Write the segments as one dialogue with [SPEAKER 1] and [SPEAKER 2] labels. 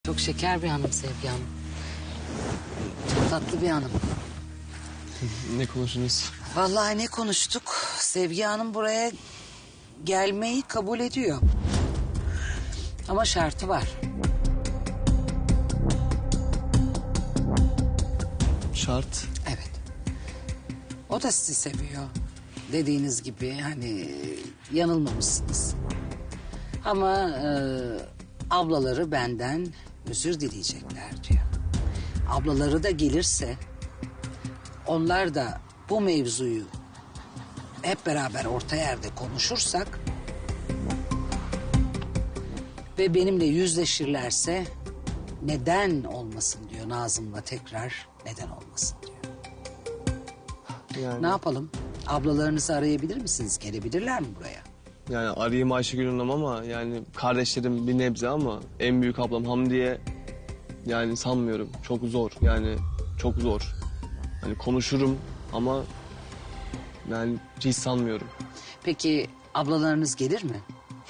[SPEAKER 1] Çok şeker bir hanım Sevgi Hanım. Çok tatlı bir hanım.
[SPEAKER 2] Ne konuştunuz?
[SPEAKER 1] Vallahi ne konuştuk? Sevgi Hanım buraya gelmeyi kabul ediyor. Ama şartı var.
[SPEAKER 2] Şart.
[SPEAKER 1] Evet. O da sizi seviyor. Dediğiniz gibi hani yanılmamışsınız. Ama ablaları benden özür dileyecekler diyor. Ablaları da gelirse onlar da bu mevzuyu hep beraber orta yerde konuşursak ve benimle yüzleşirlerse neden olmasın diyor Nazım'la tekrar neden olmasın diyor.
[SPEAKER 2] Yani,
[SPEAKER 1] Ne yapalım? Ablalarınızı arayabilir misiniz? Gelebilirler mi buraya?
[SPEAKER 2] yani arayayım Ayşegül Hanım ama yani kardeşlerim bir nebze ama en büyük ablam Hamdiye yani sanmıyorum. Çok zor yani çok zor. Hani konuşurum ama yani hiç sanmıyorum.
[SPEAKER 1] Peki ablalarınız gelir mi?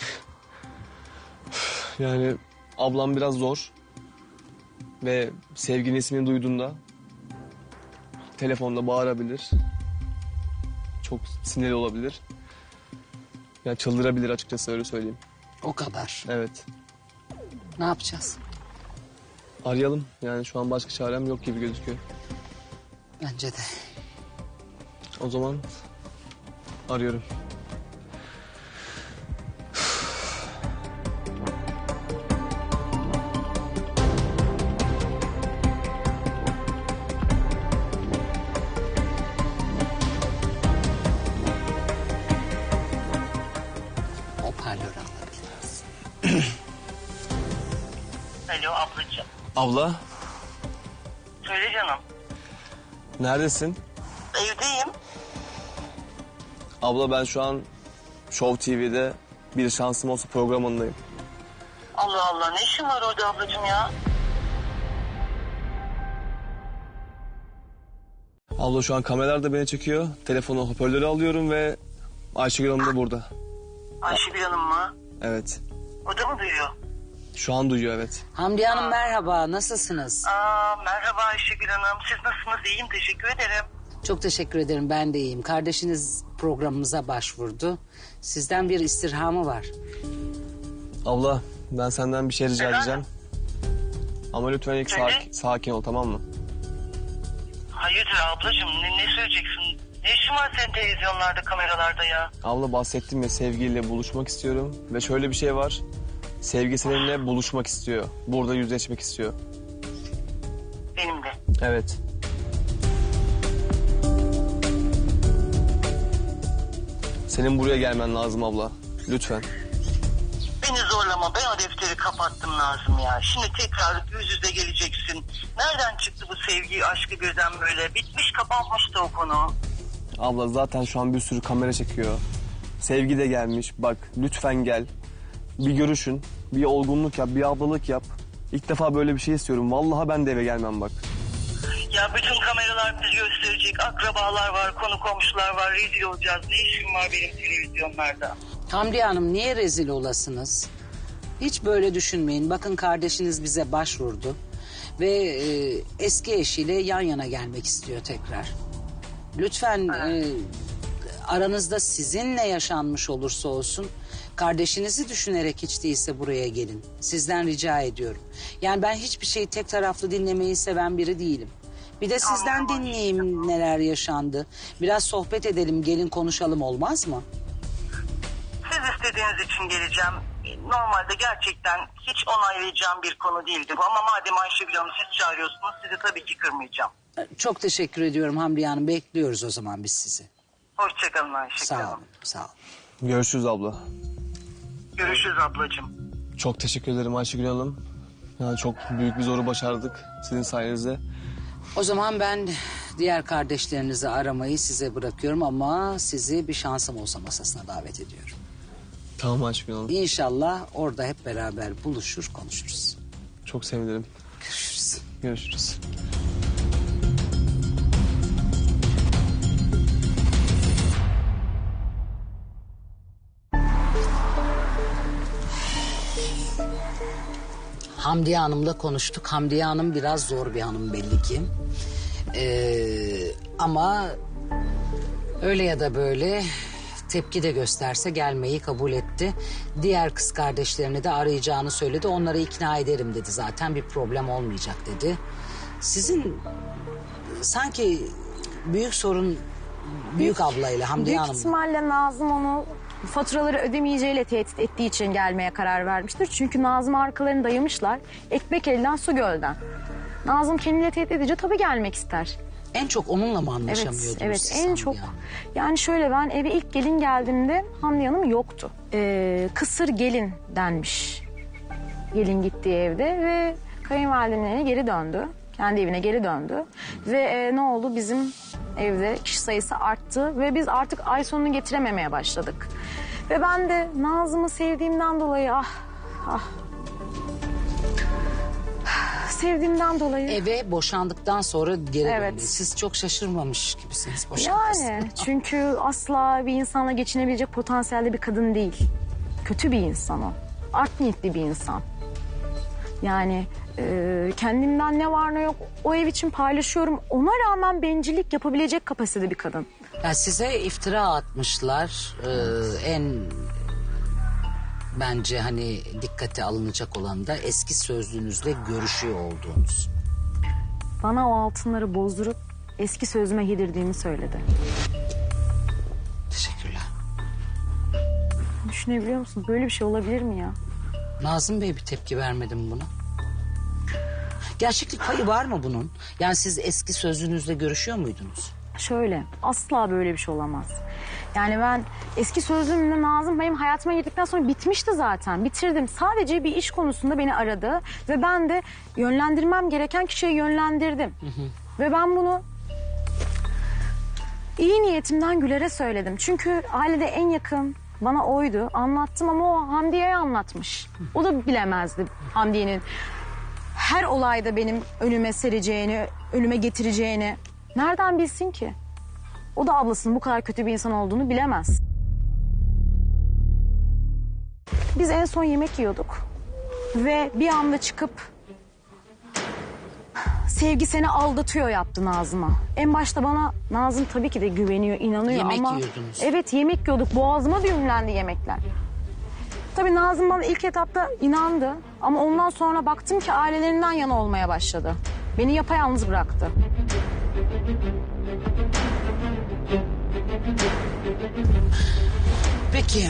[SPEAKER 2] Yani ablam biraz zor ve Sevgi'nin ismini duyduğunda telefonda bağırabilir. Çok sinirli olabilir. Yani çıldırabilir açıkçası öyle söyleyeyim.
[SPEAKER 1] O kadar.
[SPEAKER 2] Evet.
[SPEAKER 1] Ne yapacağız?
[SPEAKER 2] Arayalım. Yani şu an başka çarem yok gibi gözüküyor.
[SPEAKER 1] Bence de.
[SPEAKER 2] O zaman arıyorum.
[SPEAKER 1] Hoparlör alabiliriz.
[SPEAKER 3] Alo ablacığım.
[SPEAKER 2] Abla,
[SPEAKER 3] Söyle canım.
[SPEAKER 2] neredesin?
[SPEAKER 3] Evdeyim.
[SPEAKER 2] Abla ben şu an Show TV'de Bir Şansım Olsa programındayım.
[SPEAKER 3] Allah Allah, ne işin var orada ablacığım ya?
[SPEAKER 2] Abla şu an kameralar da beni çekiyor. Telefonu hoparlörü alıyorum ve Ayşegül Hanım da burada.
[SPEAKER 3] Ayşegül Hanım mı?
[SPEAKER 2] Evet.
[SPEAKER 3] O da mı duyuyor?
[SPEAKER 2] Şu an duyuyor evet.
[SPEAKER 1] Hamdiye Hanım merhaba. Nasılsınız?
[SPEAKER 3] Merhaba Ayşegül Hanım. Siz nasılsınız? İyiyim, teşekkür ederim.
[SPEAKER 1] Çok teşekkür ederim. Ben de iyiyim. Kardeşiniz programımıza başvurdu. Sizden bir istirhamı var.
[SPEAKER 2] Abla ben senden bir şey rica
[SPEAKER 3] Efendim?
[SPEAKER 2] edeceğim. Ama lütfen ilk
[SPEAKER 3] Söyle.
[SPEAKER 2] sakin ol tamam mı?
[SPEAKER 3] Hayırdır ablacığım, ne söyleyeceksin? Ne işin var senin televizyonlarda, kameralarda ya?
[SPEAKER 2] Abla bahsettim ya Sevgi'yle buluşmak istiyorum. Ve şöyle bir şey var. Sevgi seninle buluşmak istiyor. Burada yüzleşmek istiyor.
[SPEAKER 3] Benim de.
[SPEAKER 2] Evet. Senin buraya gelmen lazım abla. Lütfen.
[SPEAKER 3] Beni zorlama, ben o defteri kapattım Nazım ya. Şimdi tekrar yüz yüze geleceksin. Nereden çıktı bu sevgi, aşkı birden böyle? Bitmiş, kapanmıştı o konu.
[SPEAKER 2] Abla zaten şu an bir sürü kamera çekiyor. Sevgi de gelmiş. Bak lütfen gel. Bir görüşün. Bir olgunluk yap. Bir ablalık yap. İlk defa böyle bir şey istiyorum. Vallahi ben de eve gelmem bak.
[SPEAKER 3] Ya bütün kameralar bizi gösterecek. Akrabalar var, konu komşular var. Rezil olacağız. Ne işim var benim televizyonlarda?
[SPEAKER 1] Hamdiye Hanım niye rezil olasınız? Hiç böyle düşünmeyin. Bakın kardeşiniz bize başvurdu. Ve eski eşiyle yan yana gelmek istiyor tekrar. Lütfen aranızda sizinle yaşanmış olursa olsun... kardeşinizi düşünerek hiç değilse buraya gelin. Sizden rica ediyorum. Yani ben hiçbir şeyi tek taraflı dinlemeyi seven biri değilim. Bir de sizden dinleyeyim neler yaşandı. Biraz sohbet edelim, gelin konuşalım olmaz mı?
[SPEAKER 3] Siz istediğiniz için geleceğim. Normalde gerçekten hiç onaylayacağım bir konu değildi bu. Ama madem Ayşegül Hanım siz çağırıyorsunuz, sizi tabii ki kırmayacağım.
[SPEAKER 1] Çok teşekkür ediyorum Hamdiye Hanım. Bekliyoruz o zaman biz sizi.
[SPEAKER 3] Hoşçakalın Ayşegül
[SPEAKER 1] Sağ
[SPEAKER 3] Hanım.
[SPEAKER 1] olun, sağ olun.
[SPEAKER 2] Görüşürüz abla.
[SPEAKER 3] Görüşürüz ablacığım.
[SPEAKER 2] Çok teşekkür ederim Ayşegül Hanım. Yani çok büyük bir zoru başardık sizin sayenizde.
[SPEAKER 1] O zaman ben diğer kardeşlerinizi aramayı size bırakıyorum ama sizi bir şansım olsa masasına davet ediyorum.
[SPEAKER 2] Tamam Ayşegül Hanım.
[SPEAKER 1] İnşallah orada hep beraber buluşur, konuşuruz.
[SPEAKER 2] Çok sevinirim.
[SPEAKER 1] Görüşürüz.
[SPEAKER 2] Görüşürüz.
[SPEAKER 1] Hamdiye Hanım'la konuştuk. Hamdiye Hanım biraz zor bir hanım belli ki. Ama öyle ya da böyle tepki de gösterse gelmeyi kabul etti. Diğer kız kardeşlerini de arayacağını söyledi. Onları ikna ederim dedi zaten, bir problem olmayacak dedi. Sizin sanki büyük sorun büyük ablayla Hamdiye
[SPEAKER 4] Büyük
[SPEAKER 1] Hanım.
[SPEAKER 4] ihtimalle Nazım onu faturaları ödemeyeceğiyle tehdit ettiği için gelmeye karar vermiştir. Çünkü Nazım arkalarını dayamışlar. Ekmek elden su gölden. Nazım kendiyle tehdit edince tabii gelmek ister.
[SPEAKER 1] En çok onunla mı anlaşamıyordunuz
[SPEAKER 4] Evet
[SPEAKER 1] siz
[SPEAKER 4] en
[SPEAKER 1] Hamdiye
[SPEAKER 4] çok.
[SPEAKER 1] Hanım?
[SPEAKER 4] Yani şöyle, ben eve ilk gelin geldiğimde Hamdiye Hanım yoktu. Kısır gelin denmiş. Gelin gittiği evde ve kayınvalidenin evine geri döndü. Kendi evine geri döndü. Ve ne oldu? Bizim evde kişi sayısı arttı ve biz artık ay sonunu getirememeye başladık. Ve ben de Nazım'ı sevdiğimden dolayı sevdiğimden dolayı.
[SPEAKER 1] Eve boşandıktan sonra geri
[SPEAKER 4] Evet.
[SPEAKER 1] döndü. Siz çok şaşırmamış gibisiniz boşanmasına.
[SPEAKER 4] Yani çünkü asla bir insanla geçinebilecek potansiyelde bir kadın değil. Kötü bir insan o. Art niyetli bir insan. Yani kendimden ne var ne yok o ev için paylaşıyorum. Ona rağmen bencillik yapabilecek kapasitede bir kadın.
[SPEAKER 1] Ya size iftira atmışlar. En bence hani dikkate alınacak olan da eski sözlüğünüzle görüşüyor olduğunuz.
[SPEAKER 4] Bana o altınları bozdurup eski sözüme yedirdiğimi söyledi.
[SPEAKER 1] Teşekkürler.
[SPEAKER 4] Düşünebiliyor musun? Böyle bir şey olabilir mi ya?
[SPEAKER 1] Nazım Bey bir tepki vermedi mi buna? Gerçeklik payı var mı bunun? Yani siz eski sözlüğünüzle görüşüyor muydunuz?
[SPEAKER 4] Şöyle, asla böyle bir şey olamaz. Yani ben eski sözlüğümle Nazım benim hayatıma girdikten sonra bitmişti zaten. Bitirdim. Sadece bir iş konusunda beni aradı ve ben de yönlendirmem gereken kişiye yönlendirdim. Ve ben bunu iyi niyetimden Güler'e söyledim. Çünkü ailede en yakın bana oydu. Anlattım ama o Hamdiye'ye anlatmış. O da bilemezdi Hamdiye'nin her olayda benim önüme sereceğini, önüme getireceğini. Nereden bilsin ki? O da ablasının bu kadar kötü bir insan olduğunu bilemez. Biz en son yemek yiyorduk. Ve bir anda çıkıp sevgi seni aldatıyor yaptı Nazım'a. En başta bana Nazım tabii ki de güveniyor, inanıyor
[SPEAKER 1] Yemek
[SPEAKER 4] ama...
[SPEAKER 1] yiyordunuz.
[SPEAKER 4] Evet, yemek yiyorduk. Boğazıma düğümlendi yemekler. Tabii Nazım bana ilk etapta inandı. Ama ondan sonra baktım ki ailelerinden yana olmaya başladı. Beni yapayalnız bıraktı.
[SPEAKER 1] Peki.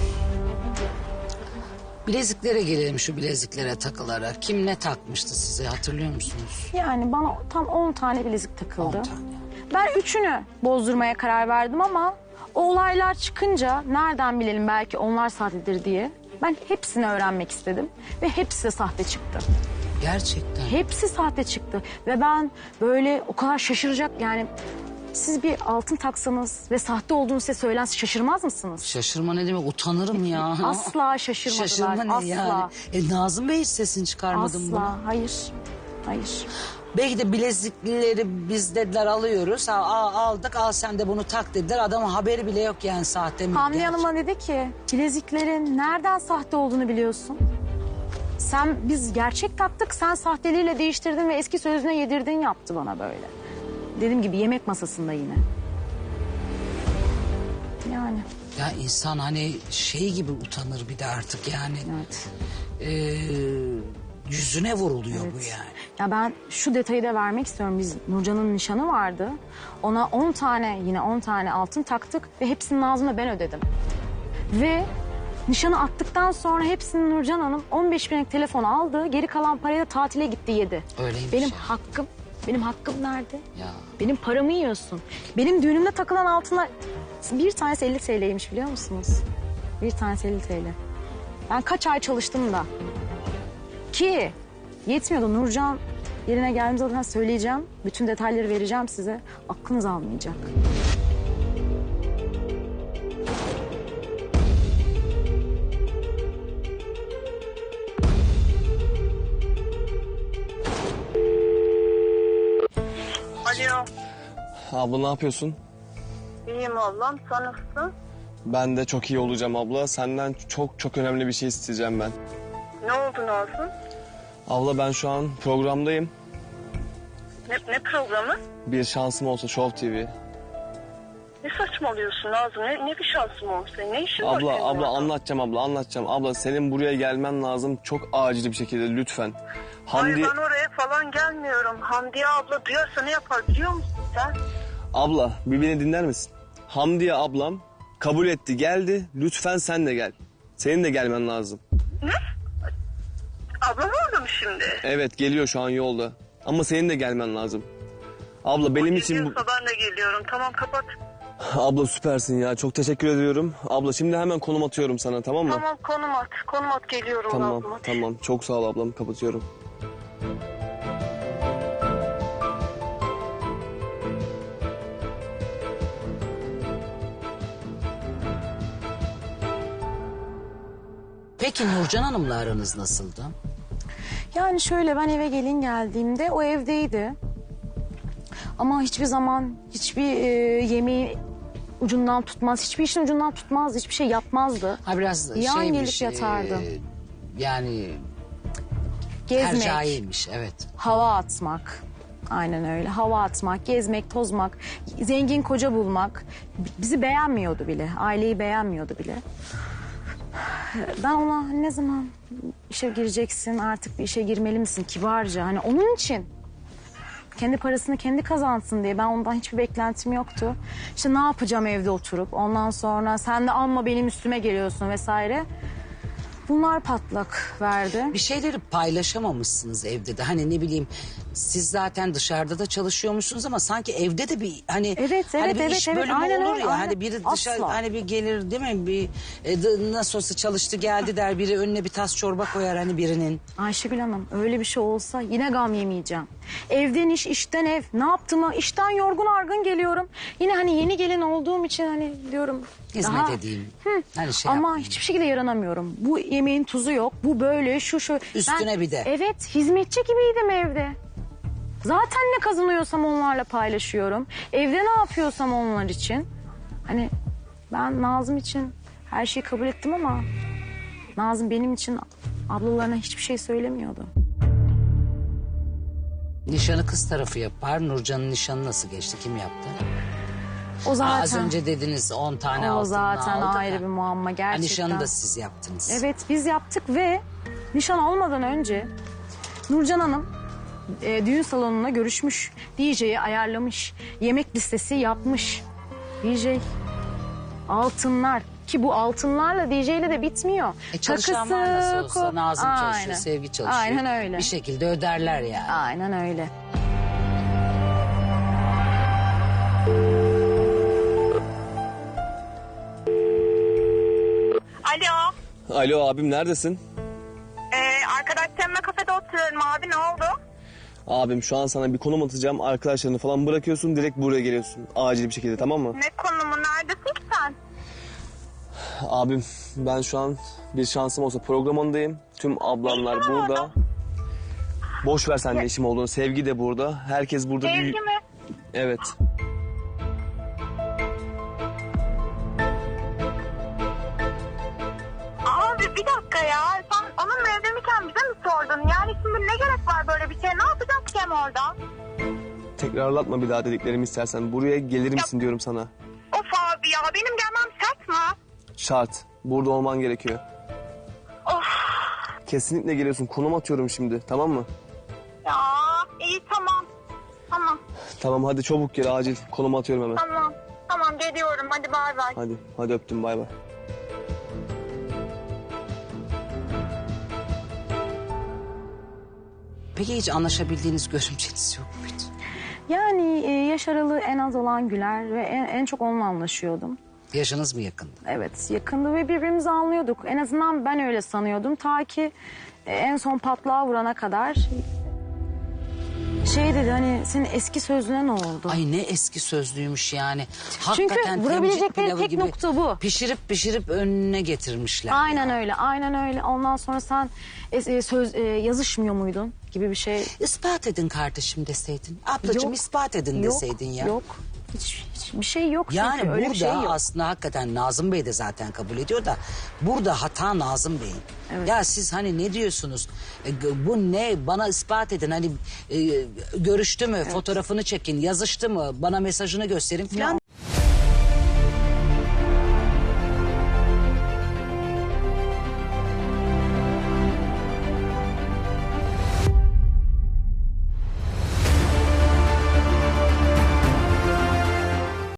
[SPEAKER 1] Bileziklere gelelim, şu bileziklere takılarak. Kim ne takmıştı size, hatırlıyor musunuz?
[SPEAKER 4] Yani bana tam 10 tane bilezik takıldı.
[SPEAKER 1] 10 tane.
[SPEAKER 4] Ben 3'ünü bozdurmaya karar verdim ama o olaylar çıkınca nereden bilelim belki onlar sahtedir diye. Ben hepsini öğrenmek istedim ve hepsi de sahte çıktı.
[SPEAKER 1] Gerçekten.
[SPEAKER 4] Hepsi sahte çıktı ve ben böyle o kadar şaşıracak yani... Siz bir altın taksanız ve sahte olduğunu size söylense şaşırmaz mısınız?
[SPEAKER 1] Şaşırma ne demek, utanırım ya.
[SPEAKER 4] Asla şaşırmadılar.
[SPEAKER 1] Şaşırma ne
[SPEAKER 4] asla.
[SPEAKER 1] yani? Nazım Bey hiç sesini çıkarmadın mı?
[SPEAKER 4] Asla. Hayır. Hayır.
[SPEAKER 1] Belki de bilezikleri biz dediler alıyoruz. Aldık, al sen de bunu tak dediler. Adamın haberi bile yok yani sahte mi?
[SPEAKER 4] Hamdi
[SPEAKER 1] gerçek?
[SPEAKER 4] Hanım'a dedi ki bileziklerin nereden sahte olduğunu biliyorsun. Biz gerçek taktık, sen sahteliğiyle değiştirdin ve eski sözüne yedirdin yaptı bana böyle. Dediğim gibi yemek masasında yine. Yani.
[SPEAKER 1] Ya insan hani şey gibi utanır bir de artık yani.
[SPEAKER 4] Evet.
[SPEAKER 1] Yüzüne vuruluyor
[SPEAKER 4] Evet.
[SPEAKER 1] bu yani.
[SPEAKER 4] Ya ben şu detayı da vermek istiyorum. Biz Nurcan'ın nişanı vardı. Ona 10 tane altın taktık ve hepsini Nazım'la ben ödedim. Ve nişanı attıktan sonra hepsini Nurcan Hanım 15 binlik telefon aldı. Geri kalan parayı da tatile gitti yedi.
[SPEAKER 1] Öyleymiş
[SPEAKER 4] Benim
[SPEAKER 1] ya.
[SPEAKER 4] hakkım nerede?
[SPEAKER 1] Ya.
[SPEAKER 4] Benim paramı yiyorsun. Benim düğünümde takılan altınlar bir tanesi 50 TL'ymiş biliyor musunuz? Bir tanesi 50 TL. Ben kaç ay çalıştım da. Ki yetmiyordu. Nurcan yerine geldiğimde zaten söyleyeceğim. Bütün detayları vereceğim size. Aklınız almayacak.
[SPEAKER 3] Alo.
[SPEAKER 2] Abla ne yapıyorsun?
[SPEAKER 3] İyiyim ablam. Sen nasılsın?
[SPEAKER 2] Ben de çok iyi olacağım abla. Senden çok önemli bir şey isteyeceğim ben.
[SPEAKER 3] Ne oldu Nazım?
[SPEAKER 2] Abla ben şu an programdayım.
[SPEAKER 3] Ne programı?
[SPEAKER 2] Bir şansım olsa Show TV.
[SPEAKER 3] Ne saçmalıyorsun Nazım? Ne bir şansım olmuş senin? Ne işin var senin
[SPEAKER 2] Abla
[SPEAKER 3] orada?
[SPEAKER 2] anlatacağım. Abla senin buraya gelmen lazım çok acil bir şekilde lütfen.
[SPEAKER 3] Hayır ben oraya falan gelmiyorum. Hamdiye abla duyarsa ne yapar biliyor musun sen?
[SPEAKER 2] Abla bir beni dinler misin? Hamdiye ablam kabul etti geldi. Lütfen sen de gel. Senin de gelmen lazım.
[SPEAKER 3] Ne? Ablam orada mı şimdi?
[SPEAKER 2] Evet geliyor şu an yolda. Ama senin de gelmen lazım. Abla benim için...
[SPEAKER 3] Geliyorsa ben de geliyorum. Tamam kapat.
[SPEAKER 2] Abla süpersin ya. Çok teşekkür ediyorum. Abla şimdi hemen konum atıyorum sana tamam mı?
[SPEAKER 3] Tamam konum at. Konum at geliyorum
[SPEAKER 2] Tamam,
[SPEAKER 3] Nazım.
[SPEAKER 2] tamam. Çok sağ ol ablam. Kapatıyorum.
[SPEAKER 1] Peki Nurcan Hanım'la aranız nasıldı?
[SPEAKER 4] Yani şöyle, ben eve gelin geldiğimde o evdeydi. Ama hiçbir zaman hiçbir yemeği ucundan tutmaz, hiçbir işin ucundan tutmazdı, hiçbir şey yapmazdı.
[SPEAKER 1] Ha biraz
[SPEAKER 4] Yan
[SPEAKER 1] şeymiş.
[SPEAKER 4] gelip yatardı.
[SPEAKER 1] Yani
[SPEAKER 4] Gezmek,
[SPEAKER 1] tercihiymiş evet.
[SPEAKER 4] hava atmak. Aynen öyle. Hava atmak, gezmek, tozmak, zengin koca bulmak. Bizi beğenmiyordu bile, aileyi beğenmiyordu bile. Ben ona ne zaman işe gireceksin, artık bir işe girmeli misin kibarca. Hani onun için kendi parasını kendi kazansın diye ben ondan hiçbir beklentim yoktu. İşte ne yapacağım evde oturup, ondan sonra sen de amma benim üstüme geliyorsun vesaire. Bunlar patlak verdi.
[SPEAKER 1] Bir şeyleri paylaşamamışsınız evde de. Hani ne bileyim siz zaten dışarıda da çalışıyormuşsunuz ama sanki evde de bir hani
[SPEAKER 4] Evet,
[SPEAKER 1] hani
[SPEAKER 4] evet,
[SPEAKER 1] bir
[SPEAKER 4] evet,
[SPEAKER 1] iş
[SPEAKER 4] evet.
[SPEAKER 1] bölümü
[SPEAKER 4] Aynen
[SPEAKER 1] olur
[SPEAKER 4] öyle,
[SPEAKER 1] ya.
[SPEAKER 4] aynen.
[SPEAKER 1] Hani biri dışarı
[SPEAKER 4] Asla.
[SPEAKER 1] hani bir gelir değil mi? Bir nasıl olsa çalıştı geldi der, biri önüne bir tas çorba koyar hani birinin.
[SPEAKER 4] Ayşegül Hanım, öyle bir şey olsa yine gam yemeyeceğim. Evden iş, işten ev. Ne yaptığımı, işten yorgun argın geliyorum. Yine hani yeni gelin olduğum için hani diyorum.
[SPEAKER 1] Hizmet edeyim. Hani şey
[SPEAKER 4] Ama
[SPEAKER 1] yapmayayım.
[SPEAKER 4] hiçbir şekilde yaranamıyorum. Bu yemeğin tuzu yok, bu böyle, şu.
[SPEAKER 1] Üstüne bir de.
[SPEAKER 4] Evet, hizmetçi gibiydim evde. Zaten ne kazanıyorsam onlarla paylaşıyorum. Evde ne yapıyorsam onlar için. Hani ben Nazım için her şeyi kabul ettim ama Nazım benim için ablalarına hiçbir şey söylemiyordu.
[SPEAKER 1] Nişanı kız tarafı yapar. Nurcan'ın nişanı nasıl geçti? Kim yaptı?
[SPEAKER 4] O zaten.
[SPEAKER 1] Az önce dediniz 10 tane
[SPEAKER 4] O
[SPEAKER 1] altınını
[SPEAKER 4] zaten
[SPEAKER 1] aldı
[SPEAKER 4] ayrı
[SPEAKER 1] da.
[SPEAKER 4] bir muamma
[SPEAKER 1] Ha,
[SPEAKER 4] gerçekten.
[SPEAKER 1] nişanı da siz yaptınız.
[SPEAKER 4] Evet, biz yaptık ve nişan olmadan önce Nurcan Hanım düğün salonuna görüşmüş. DJ'yi ayarlamış. Yemek listesi yapmış. DJ altınlar, ki bu altınlarla DJ ile de bitmiyor.
[SPEAKER 1] Çalışan var nasıl olsa.
[SPEAKER 4] ku-
[SPEAKER 1] Nazım çalışıyor,
[SPEAKER 4] Aynen.
[SPEAKER 1] Sevgi çalışıyor.
[SPEAKER 4] Aynen öyle.
[SPEAKER 1] Bir şekilde öderler yani.
[SPEAKER 4] Aynen öyle.
[SPEAKER 3] Alo.
[SPEAKER 2] Alo abim neredesin?
[SPEAKER 3] Arkadaşlarımla kafede oturuyorum abi ne oldu?
[SPEAKER 2] Abim şu an sana bir konum atacağım. Arkadaşlarını falan bırakıyorsun. Direkt buraya geliyorsun. Acil bir şekilde tamam mı?
[SPEAKER 3] Ne konumu neredesin ki sen?
[SPEAKER 2] Abim ben şu an bir şansım olsa programındayım. Tüm ablamlar burada. Boş ver sen ne işim olduğunu. Sevgi de burada. Herkes burada.
[SPEAKER 3] Sevgi mi?
[SPEAKER 2] Evet.
[SPEAKER 3] Abi bir dakika ya. Sen onunla evlenirken bize mi sordun? Yani şimdi ne gerek var böyle bir şeye? Ne yapacağız ki hem orada?
[SPEAKER 2] Tekrarlatma bir daha dediklerimi istersen. Buraya gelir misin diyorum sana.
[SPEAKER 3] Of abi ya benim gelmem şart mı?
[SPEAKER 2] Şart. Burada olman gerekiyor.
[SPEAKER 3] Of
[SPEAKER 2] Kesinlikle geliyorsun. Konum atıyorum şimdi. Tamam mı?
[SPEAKER 3] ya iyi tamam. Tamam
[SPEAKER 2] Tamam hadi çabuk gel acil. Konum atıyorum hemen.
[SPEAKER 3] tamam. Tamam geliyorum hadi bay bay.
[SPEAKER 2] Hadi öptüm bay bay.
[SPEAKER 1] Peki hiç anlaşabildiğiniz görümceniz yok muydu?
[SPEAKER 4] Yani yaş aralığı en az olan Güler ve en çok onunla anlaşıyordum.
[SPEAKER 1] Yaşınız mı yakındı?
[SPEAKER 4] Evet, yakındı ve birbirimizi anlıyorduk. En azından ben öyle sanıyordum. Ta ki en son patlağa vurana kadar şey dedi, hani senin eski sözlüğüne ne oldu?
[SPEAKER 1] Ay ne eski sözlüymüş yani.
[SPEAKER 4] Çünkü
[SPEAKER 1] Hakikaten
[SPEAKER 4] vurabilecekleri
[SPEAKER 1] temcik pilavı
[SPEAKER 4] tek
[SPEAKER 1] gibi
[SPEAKER 4] nokta bu.
[SPEAKER 1] Pişirip önüne getirmişler.
[SPEAKER 4] Aynen
[SPEAKER 1] ya.
[SPEAKER 4] öyle, aynen öyle. Ondan sonra sen yazışmıyor muydun gibi bir şey.
[SPEAKER 1] İspat edin kardeşim deseydin. Ablacığım
[SPEAKER 4] Yok,
[SPEAKER 1] ispat edin deseydin ya.
[SPEAKER 4] Yok, Hiçbir şey yok çünkü.
[SPEAKER 1] Yani
[SPEAKER 4] Öyle bir şey
[SPEAKER 1] burada
[SPEAKER 4] yok.
[SPEAKER 1] aslında hakikaten Nazım Bey de zaten kabul ediyor da burada hata Nazım Bey'in.
[SPEAKER 4] Evet.
[SPEAKER 1] Ya siz hani ne diyorsunuz? Bu ne? Bana ispat edin. Hani görüştü mü? Fotoğrafını çekin. Yazıştı mı? Bana mesajını gösterin falan.